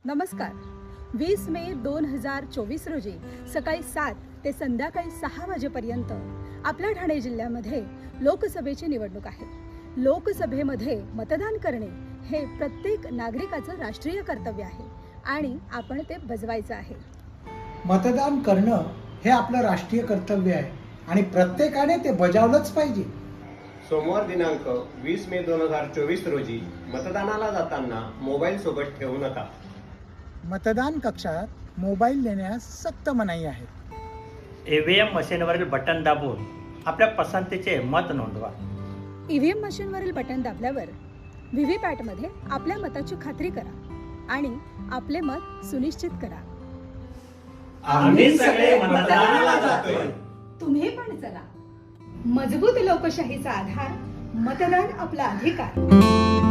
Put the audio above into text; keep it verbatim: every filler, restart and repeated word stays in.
नमस्कार. वीस मे दोन हजार चोवीस रोजी सकाळी सात ते संध्याकाळी सहा वाजेपर्यंत आपल्या ठाणे जिल्ह्यामध्ये लोकसभेची निवडणूक आहे. लोकसभेमध्ये मतदान करणे हे प्रत्येक नागरिकाचं राष्ट्रीय कर्तव्य आहे आणि आपण ते बजवायचं आहे. मतदान करणं हे आपलं राष्ट्रीय कर्तव्य आहे आणि प्रत्येकाने ते बजावलंच पाहिजे. सोमवार दिनांक वीस मे दोन हजार चोवीस रोजी मतदानाला जाताना मोबाईल सोबत ठेवू नका. मतदान कक्षात मोबाईल नेण्यास सक्त मनाई आहे. ईव्हीएम मशीनवरील बटन दाबून आपल्या पसंतीचे मत नोंदवा. ईव्हीएम मशीनवरील बटन दाबल्यावर व्हीव्हीपॅटमध्ये आपल्या मताची खात्री करा आणि आपले मत सुनिश्चित करा. आम्ही सगळे मतदानाला जातोय. तुम्ही पण चला. मजबूत लोकशाहीचा आधार मतदान आपला अधिकार.